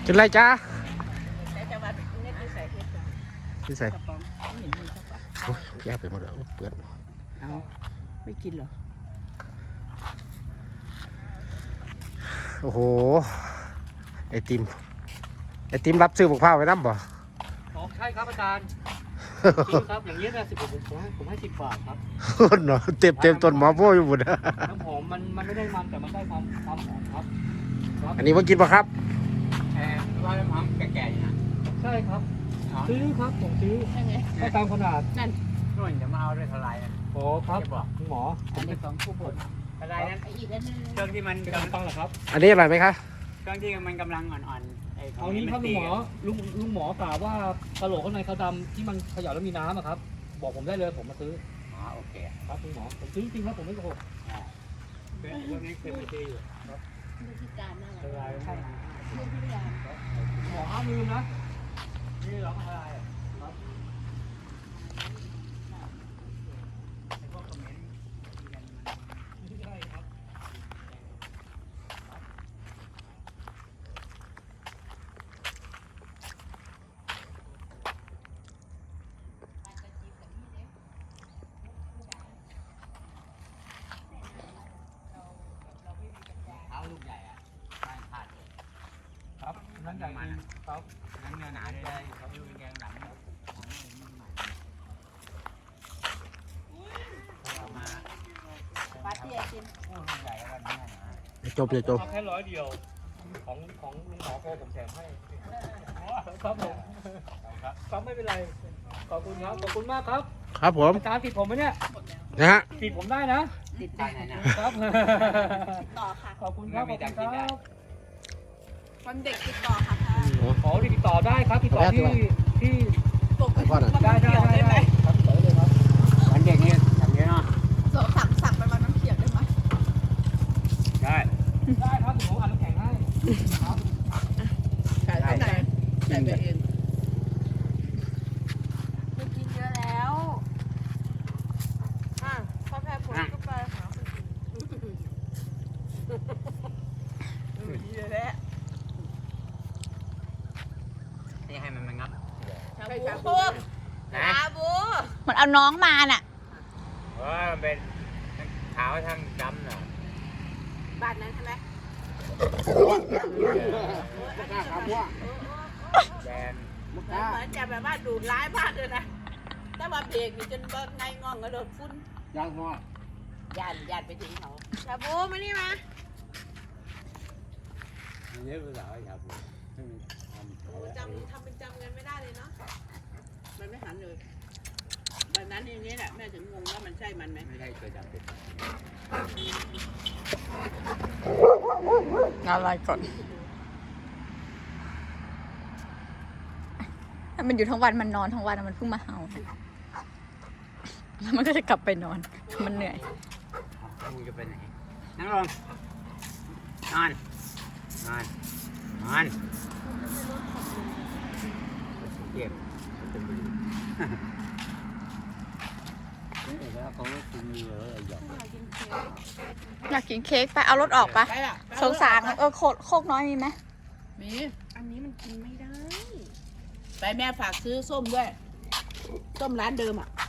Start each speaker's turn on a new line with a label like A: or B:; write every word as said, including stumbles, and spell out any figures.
A: เป็นไรจ้า
B: แต่จะว่าเน็ตใส่เฮ็ดจ้ะ
A: ที่ใส่
B: กระป๋องไม่เห็นมีสักบาท
A: โอ้ยแย่ไปหมดแล้วเปื้อน
B: เอาไม่กินเหรอ
A: โอ้โหไอติมไอติมรับซื้อบุกผ้าไว้น้ำบ่
C: อ๋อใช่ครับอาจารย์จริงครับอย่างนี้นะสิบผมผมให้ผมให้สิบบาทครับ
A: เนาะเต็มเต็มต้นหมอโป้อยู่หมด
C: น้ำหอมมันมันไม่ได้มันแต่มันได้ความความหอมครับ
A: อันนี้ว่ากินปะครับ
C: แอร์ว่าน้ำหอมแก่ๆนะใช่ครับซื้อครับผมซื้อให้ตามขนาด
B: นั่น
C: นู่นจะมาเอาด้วยเท่าไรนะโอ้ครับคุณหมอ
B: อันนี้ของผู้บด
C: อะไรนั้น
B: อีกอันนึง
C: เครื่องที่มันกำลังต้องเหรอครับ
A: อันนี้อร่อยไหมคะ
C: เครื่องที่มันกำลังอ่อนๆ
D: เอานี้ครับลุงหมอลุงลุงหมอกล่าวว่ากระโหลกข้างในเขาดำที่มันเขย่าแล้วมีน้ำอะครับบอกผมได้เลยผมมาซื้อ
C: อ๋อโอเค
D: ครับลุงหมอผมซื้อจริงครับผมไม่โกหก
C: เรื่องนี้เคยไปซื้ออยู่
B: ครับดูที่การนั่นแหละ
C: ใช่
B: ดูที่การ
D: หมอห้ามลืมนะนี่เราอะไรครับนั่นใหญ่มันครับ
C: นั่นเนื้อหนาเลยเขาดูแกงหลังมา
B: ปาร์ตี้กิน
C: โอ้ลูกใหญ่แล้วเนี่ย
A: นะจบเลยจบ
D: แค่ร้อยเดียวของของลุงหมอโกผมแถมให้ครับผมครับไม่เป็นไรขอบคุณครับขอบคุณมากครับ
A: ครับผม
D: อาจารย์ติดผมไหมเนี่ย
A: นะฮะ
D: ติดผมได้นะ
B: ติดได้
D: ครับ
B: ต่อค่ะ
D: ขอบคุณครับขอบคุณครับ
B: วันเด็กติดต่อค่ะ
D: ขอติดต่อได้ครับติดต่อที่ที่
B: ปกติ
D: ได้ได้ได้ได้ครับติดต่อได้เลยครับ
C: วันเด็กนี่ทำเยอะเนาะ
B: สั่งสั่งไปวันน้ำเขียวได้ไหม
C: ได้
D: ได้ครับผมอ่านน้ำแข็งให้ครับ
B: ขายที่ไหนใส่ไปเองไม่กินเยอะแล้วอ่ะพอแพ้ผลก็ไปหาคนอื่นเยอะแล้ว
C: นี่ให้มันมันงับ
B: ชาบูชาบู
E: มันเอาน้องมาน่ะ
C: ว่ามันเป็นขาวทั้งดำเนาะ
B: บ้านนั้นใช่ไหม
C: แดน
B: เหมือนจะแบบว่าดูดร้ายมากเลยนะแต่ว่าเบรกนี่จนเบิกไงงองกระโดดฟุ้น
C: ย่างหัว
B: ย่านย่านไปถึงเขาชาบูมานี่มา
C: เยอะไปหน่อยครับ
B: จำทำเป็นจำกันไม่ได้เลยเนาะมันไม่หันเลยแบบนั้นอย่างนี้แหละแม่ถึงงงว่ามันใช่มันไหม
C: ไม่ใช่เคยจำเป็น
E: อะไรก่อนถ้ามันอยู่ทั้งวันมันนอนทั้งวันมันเพิ่งมาเห่าแล้วมันก็จะกลับไปนอนมันเหนื่อย
C: มึงจะไปไหนนั่งลงนอนนอนนอนเก็บ
E: อยากกินเค้กไปเอารถออกปะสงสารเออโคกโคกน้อยมีไหม
B: มีอันนี้มันกินไม่ได้ไปแม่ฝากซื้อส้มด้วยส้มร้านเดิมอ่ะ